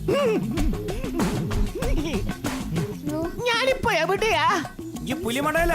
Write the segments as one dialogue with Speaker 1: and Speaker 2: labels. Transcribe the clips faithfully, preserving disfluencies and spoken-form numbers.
Speaker 1: ഞാനിപ്പോ എവിടെയാ?
Speaker 2: ഈ പുലിമടയില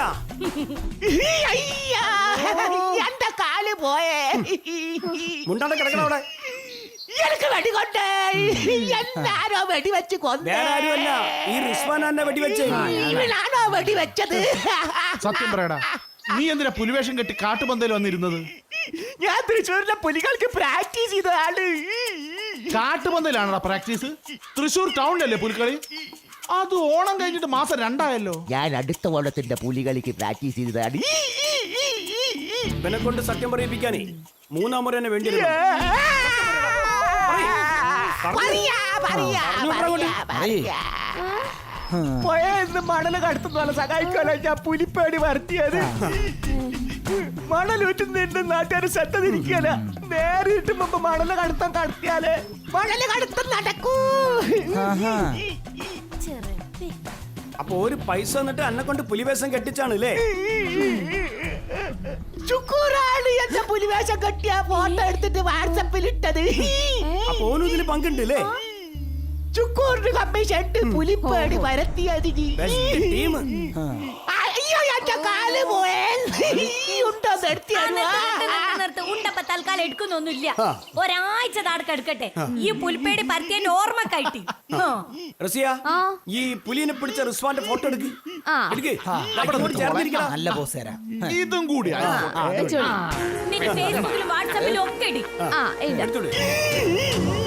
Speaker 1: എന്റെ കാല് പോയേ.
Speaker 2: മുണ്ടാണ്ട് കിടക്കണം അവിടെ.
Speaker 1: എനിക്ക് വെടികൊണ്ടേ. എന്നാരോ വെടിവെച്ച് കൊന്നേ.
Speaker 2: വേറെ ആരുമല്ല, ഈ റിസ്വാൻ എന്നെ വെടിവെച്ചേ.
Speaker 1: ഇവനാണോ വെടിവെച്ചത്?
Speaker 3: സത്യം പറയടാ, നീ എന്തിനാ പുലിവേഷം കെട്ടി കാട്ടുപന്തയിൽ വന്നിരുന്നത്?
Speaker 1: ഞാൻ തൃശ്ശൂരിലെ പുലികൾക്ക് പ്രാക്ടീസ് ചെയ്തതാണ്.
Speaker 3: കാട്ടുപന്തയിലാണോ പ്രാക്ടീസ്? തൃശ്ശൂർ ടൗണിലല്ലേ പുലിക്കളി? അത് ഓണം കഴിഞ്ഞിട്ട് മാസം രണ്ടായല്ലോ.
Speaker 1: ഞാൻ അടുത്ത ഓണത്തിന്റെ പുലികളിക്ക് പ്രാക്ടീസ് ചെയ്തതാണ്.
Speaker 2: ഇവനെ കൊണ്ട് സത്യം പറയിപ്പിക്കാനേ മൂന്നാം മുறை എന്നെ വേണ്ടി
Speaker 1: പോയെന്ന് മണല് കടത്തുന്ന സഹായിക്കാനോ ഞാൻ പുലിപ്പേടി വരുത്തിയത്. മണലൂറ്റുന്ന നാട്ടുകാർ ശ്രദ്ധ തിരിക്കല. നേരിട്ട് മുമ്പ് മണല് കടത്താൻ കടത്തിയാല് മണല് കടത്തം നടക്കൂ.
Speaker 2: അപ്പൊ ഒരു പൈസ എന്നിട്ട് എന്നെ കൊണ്ട് പുലിവേഷം കെട്ടിച്ചാണ് അല്ലേ?
Speaker 1: ചുക്കൂറാണ് എന്റെ പുലിവേഷം കെട്ടിയ ഫോട്ടോ എടുത്തിട്ട് വാട്സപ്പിൽ ഇട്ടത്.
Speaker 2: അപ്പൊ ഓനും ഇതിന് പങ്കുണ്ട് അല്ലേ?
Speaker 1: ചുക്കൂറിന് കമ്മീഷൻ പുലിപ്പേടി വരത്തിയത്.
Speaker 2: ടീം
Speaker 1: അയ്യോ എന്റെ കാല് പോയേ. ഉണ്ടോ
Speaker 4: ഉണ്ടപ്പ തൽക്കാലം എടുക്കുന്നൊന്നുമില്ല. ഒരാഴ്ച താടക്കെടുക്കട്ടെ ഈ പുൽപ്പേടി പരത്തിയന്റെ ഓർമ്മക്കായിട്ട്.
Speaker 2: ഈ പുലിനെ പിടിച്ച റിസ്വാന്റെ ഫോട്ടോ എടുക്ക്.
Speaker 5: നല്ല പോസ് തരാം.
Speaker 3: ഇതും കൂടി
Speaker 4: നിന്റെ ഫേസ്ബുക്കിലും വാട്സാപ്പിലും ഒക്കെ ഇടി.
Speaker 2: എടുത്തോളൂ.